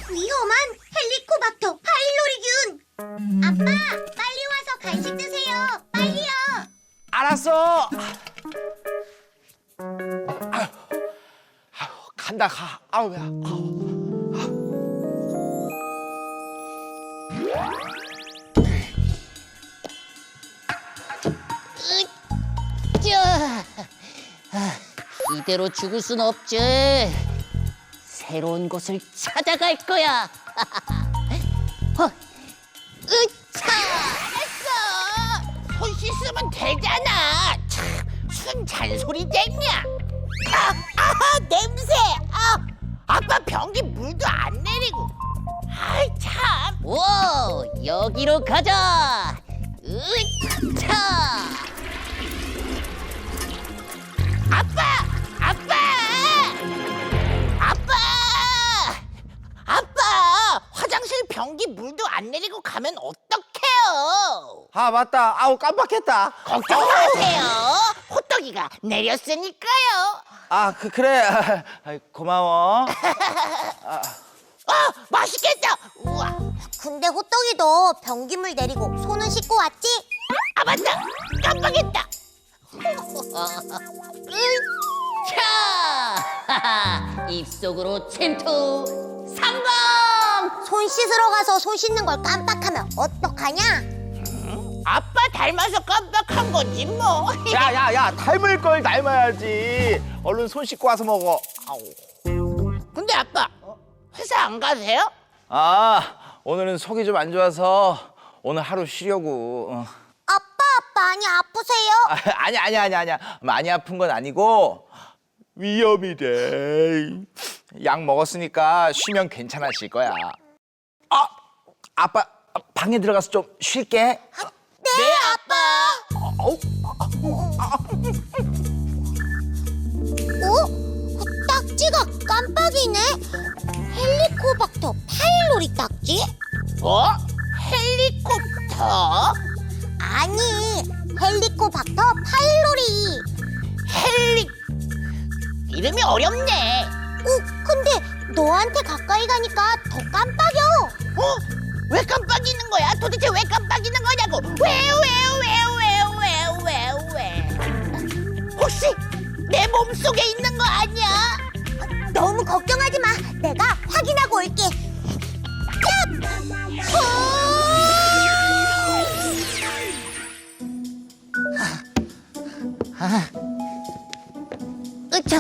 위험한 헬리코박터 파일로리균. 아빠, 빨리 와서 간식 드세요. 빨리요. 알았어. 아유, 간다 가. 아우 야. 이대로 죽을 순 없지. 새로운 곳을 찾아갈 거야. 으차! 했어. 손 씻으면 되잖아. 참, 순 잔소리 쟁냐. 냄새. 아빠 변기 물도 안 내리고. 아이 참. 오, 여기로 가자. 으차! 아빠 화장실 변기 물도 안 내리고 가면 어떡해요? 아 맞다. 아우 깜빡했다. 걱정 마세요. 호떡이가 내렸으니까요. 그래. 고마워. 맛있겠다. 우와. 근데 호떡이도 변기물 내리고 손은 씻고 왔지? 맞다. 깜빡했다. 차! 입속으로 침투 성공! 손 씻으러 가서 손 씻는 걸 깜빡하면 어떡하냐? 아빠 닮아서 깜빡한 거지 뭐. 야야야, 닮을 걸 닮아야지. 얼른 손 씻고 와서 먹어. 아우. 근데 아빠 회사 안 가세요? 오늘은 속이 좀 안 좋아서 오늘 하루 쉬려고. 아빠, 많이 아프세요? 아니야. 많이 아픈 건 아니고 위험이 돼. 약 먹었으니까 쉬면 괜찮아질 거야. 아빠 방에 들어가서 좀 쉴게. 네, 아빠. 딱지가 깜빡이네. 헬리코박터 파일로리 딱지? 뭐? 헬리콥터? 아니, 헬리코박터 파일로리. 이름이 어렵네. 근데 너한테 가까이 가니까 더 깜빡여. 왜 깜빡이는 거야? 도대체 왜 깜빡이는 거냐고? 왜? 혹시 내 몸속에 있는 거 아니야? 너무 걱정하지 마. 내가 확인하고 올게. 으차!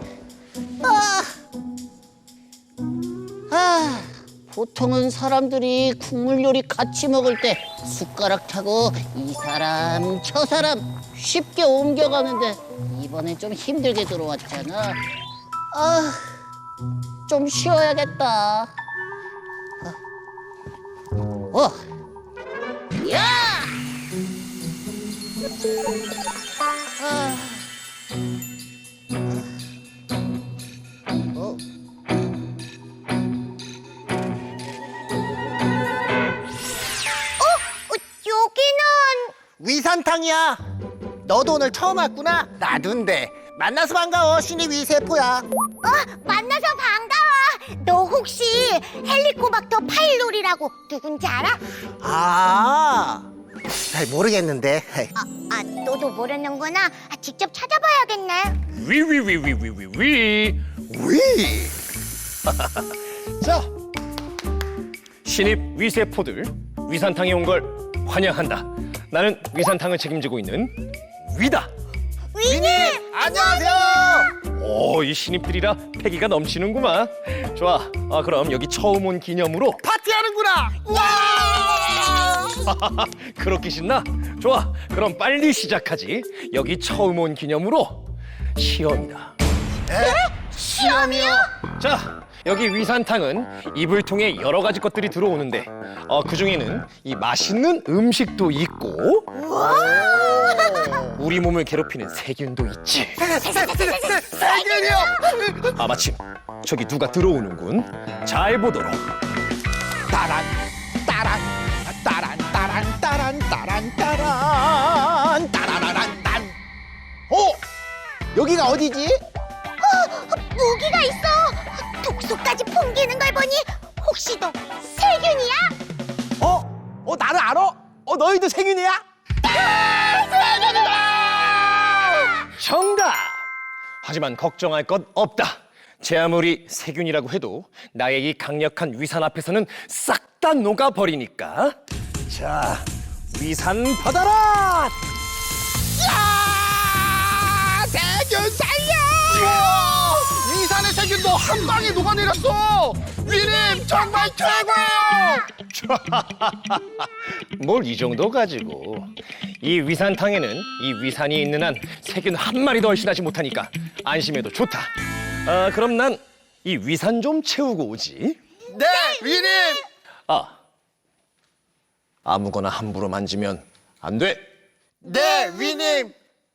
보통은 사람들이 국물 요리 같이 먹을 때 숟가락 타고 이 사람 저 사람 쉽게 옮겨가는데 이번엔 좀 힘들게 들어왔잖아. 좀 쉬어야겠다. 야! 여기는 위산탕이야. 너도 오늘 처음 왔구나. 나도인데. 만나서 반가워. 신입 위세포야. 만나서 반가워. 너 혹시 헬리코박터 파일로리라고 누군지 알아? 잘 모르겠는데. 너도 모르는구나. 직접 찾아봐야겠네. 위. 위. 자, 신입 위세포들 위산탕에 온 걸 환영한다. 나는 위산탕을 책임지고 있는 위다. 위님! 안녕하세요. 이 신입들이라 패기가 넘치는구만. 좋아. 그럼 여기 처음 온 기념으로 파티하는구나. 그렇게 신나? 좋아. 그럼 빨리 시작하지. 여기 처음 온 기념으로 시험이다. 시험이요? 자, 여기 위산탕은 이불 통에 여러 가지 것들이 들어오는데 그 중에는 이 맛있는 음식도 있고 우리 몸을 괴롭히는 세균도 있지. 세균이요? 마침 저기 누가 들어오는군. 잘 보도록. 따란 따란 따란 따란 따란 따란 따란 따라라란 딴. 여기가 어디지? 무기가 있어. 독소까지 풍기는 걸 보니 혹시 너 세균이야? 나를 알아? 너희도 세균이야? 정답! 하지만 걱정할 것 없다. 제 아무리 세균이라고 해도 나의 이 강력한 위산 앞에서는 싹 다 녹아버리니까. 자, 위산 받아라! 세균 살려! 위산의 세균도 한 방에 녹아내렸어! 위님 정말 최고예요! 뭘 이 정도 가지고. 이 위산탕에는 이 위산이 있는 한 세균 한 마리도 얼씬하지 못하니까 안심해도 좋다. 그럼 난 이 위산 좀 채우고 오지. 네, 위님! 아무거나 함부로 만지면 안 돼. 네, 위님!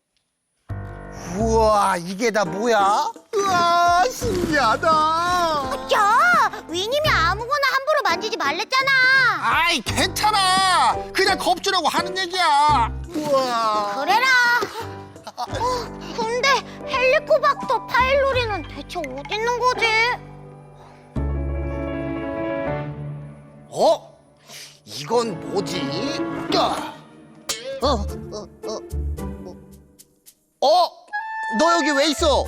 우와, 이게 다 뭐야? 우와, 신기하다! 야, 위님이 아무거나 함부로 만지지 말랬잖아. 아이, 괜찮아! 그냥 겁주려고 하는 얘기야! 우와! 그래라. 근데 헬리코박터 파일로리는 대체 어디 있는 거지? 이건 뭐지? 야! 너 여기 왜 있어?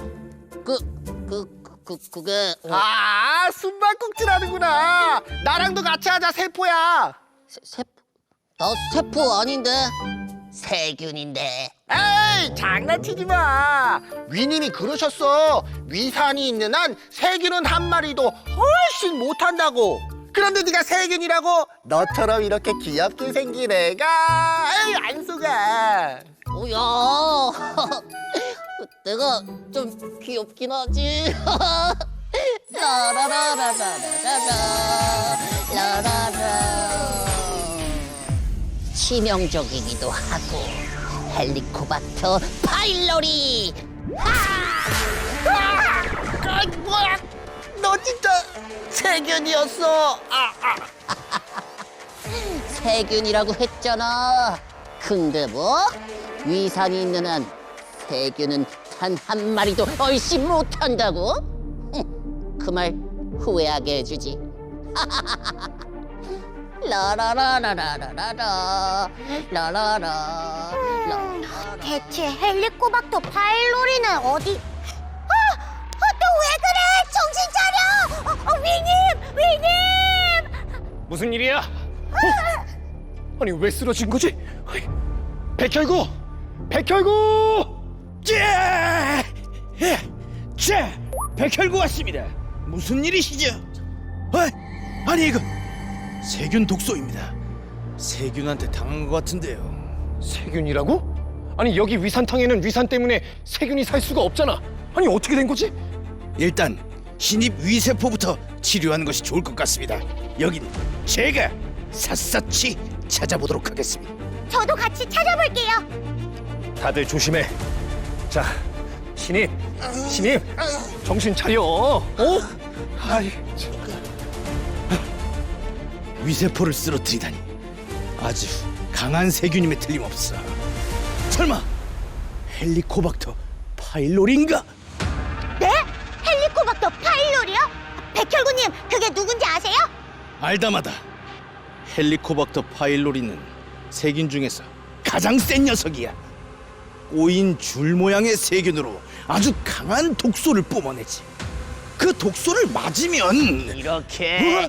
그게 숨바꼭질 하는구나. 나랑도 같이 하자, 세포야. 나 세포 아닌데 세균인데. 에이, 장난치지 마. 위님이 그러셨어. 위산이 있는 한 세균은 한 마리도 훨씬 못한다고. 그런데 네가 세균이라고? 너처럼 이렇게 귀엽게 생긴 애가. 에이, 안 속아. 뭐야? 내가 좀 귀엽긴 하지. 라라라라라라라 라라라. 치명적이기도 하고 헬리코박터 파일로리. 뭐야? 너 진짜 세균이었어. 세균이라고 했잖아. 근데 뭐? 위산이 있는 한 세균은 단 한 마리도 얼씬 못한다고? 그 말 후회하게 해주지. 라라라라라라라 라라라. 대체 헬리코박터 파일로리는 어디? 너 왜 그래? 정신 차려! 위님! 무슨 일이야? 아니 왜 쓰러진 거지? 백혈구! 자, 백혈구 왔습니다. 무슨 일이시죠? 아니 이거 세균 독소입니다. 세균한테 당한 것 같은데요. 세균이라고? 아니 여기 위산탕에는 위산 때문에 세균이 살 수가 없잖아. 아니 어떻게 된 거지? 일단 신입 위세포부터 치료하는 것이 좋을 것 같습니다. 여긴 제가 샅샅이 찾아보도록 하겠습니다. 저도 같이 찾아볼게요. 다들 조심해. 자, 신입, 정신 차려. 아이, 위세포를 쓰러뜨리다니 아주 강한 세균임에 틀림없어. 설마 헬리코박터 파일로리인가? 네? 헬리코박터 파일로리요? 백혈구님, 그게 누군지 아세요? 알다마다 헬리코박터 파일로리는 세균 중에서 가장 센 녀석이야. 꼬인 줄 모양의 세균으로 아주 강한 독소를 뿜어내지. 그 독소를 맞으면 이렇게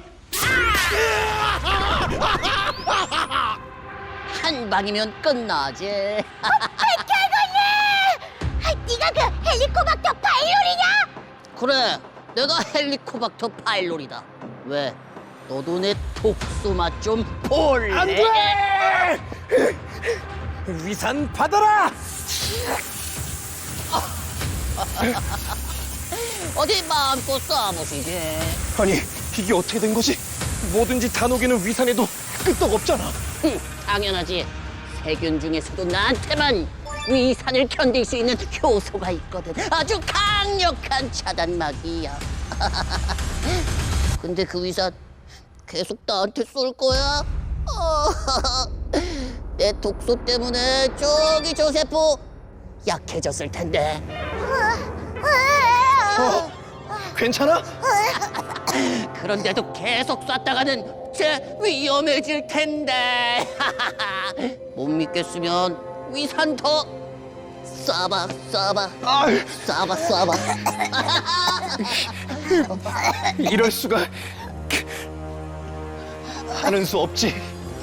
한 방이면 끝나지. 백혈구님! 네가 그 헬리코박터 파일로리냐? 그래, 내가 헬리코박터 파일로리다. 왜? 너도 내 독소 맛 좀 볼래? 안 돼! 위산 받아라! 어디 마음껏 쏴보시지. 아니 이게 어떻게 된 거지? 뭐든지 다 녹이는 위산에도 끄떡없잖아. 당연하지. 세균 중에서도 나한테만 위산을 견딜 수 있는 효소가 있거든. 아주 강력한 차단막이야. 근데 그 위산 계속 나한테 쏠 거야? 내 독소 때문에 저기 저 세포 약해졌을 텐데. 괜찮아? 그런데도 계속 쐈다가는 쟤 위험해질 텐데. 못 믿겠으면 위산 더 쏴봐, 쏴봐, 쏴봐, 쏴봐. 이럴 수가. 하는 수 없지.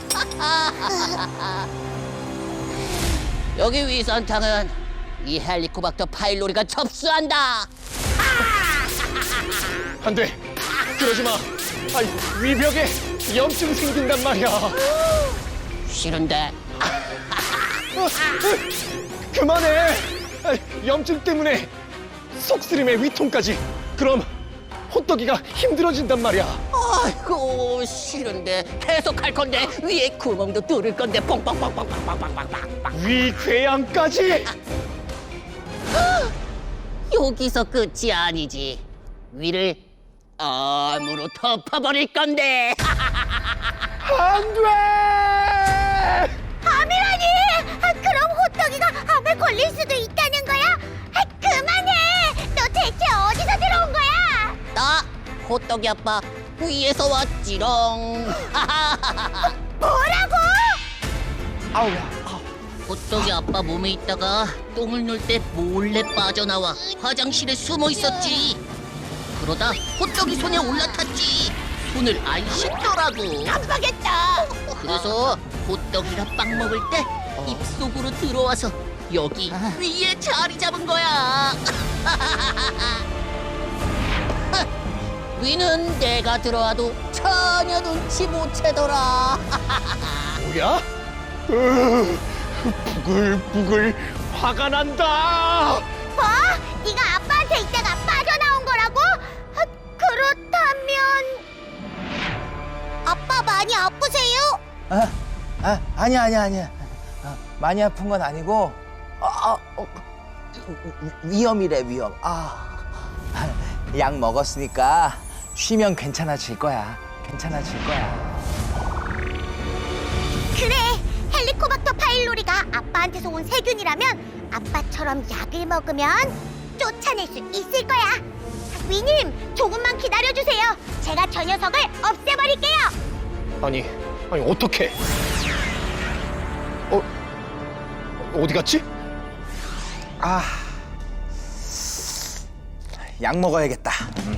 여기 위산탕은 이 헬리코박터 파일로리가 접수한다. 안 돼. 그러지 마. 아이, 위벽에 염증 생긴단 말이야. 싫은데. 그만해. 아이, 염증 때문에 속쓰림에 위통까지. 그럼 호떡이가 힘들어진단 말이야. 아이고 싫은데 계속 할 건데 위에 구멍도 뚫을 건데 뻥뻥뻥뻥뻥뻥뻥뻥. 위궤양까지. 여기서 끝이 아니지. 위를 암으로 덮어버릴 건데. 안 돼. 암이라니! 그럼 호떡이가 암에 걸릴 수도 있다는 거야? 그만해! 너 대체 어디서 들어온 거야? 나 호떡이 아빠 위에서 왔지롱. 뭐라고? 호떡이 아빠 몸에 있다가 똥을 눌 때 몰래 빠져나와 화장실에 숨어 있었지. 그러다 호떡이 손에 올라탔지. 손을 안 씻더라고. 깜빡했다! 그래서 호떡이가 빵 먹을 때 입속으로 들어와서 여기 위에 자리 잡은 거야. 위는 내가 들어와도 전혀 눈치 못 채더라. 뭐야? 부글부글 화가 난다. 뭐? 네가 아빠한테 있다가 빠져나온 거라고? 그렇다면... 아빠 많이 아프세요? 아니야. 많이 아픈 건 아니고, 위험이래, 위험. 약 먹었으니까 쉬면 괜찮아질 거야. 그래! 헬리코박터 파일로리가 아빠한테서 온 세균이라면 아빠처럼 약을 먹으면 쫓아낼 수 있을 거야. 위님, 조금만 기다려주세요. 제가 저 녀석을 없애버릴게요. 아니 어떡해? 어디 갔지? 약 먹어야겠다.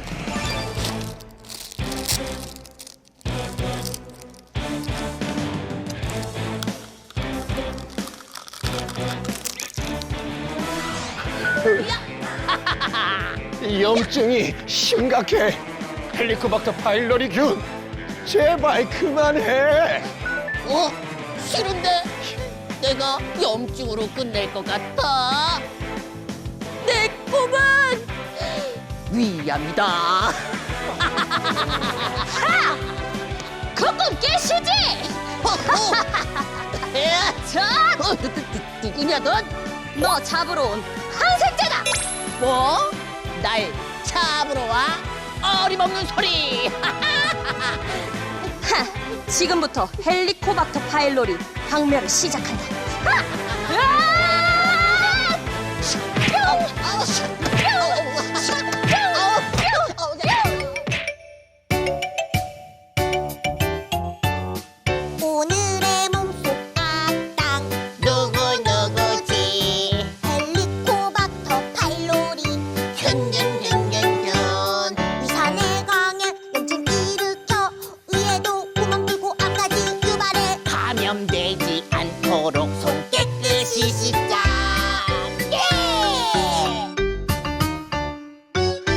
염증이 심각해. 헬리코박터 파일로리균, 제발 그만해. 싫은데 내가 염증으로 끝낼 것 같아. 내 꿈은 위암이다. 그 꿈 깨시지? 자, 누구냐 넌? 너 잡으러 온 항생제다. 뭐? 날 잡으러 와? 어림없는 소리. 지금부터 헬리코박터 파일로리 박멸을 시작한다. 으아!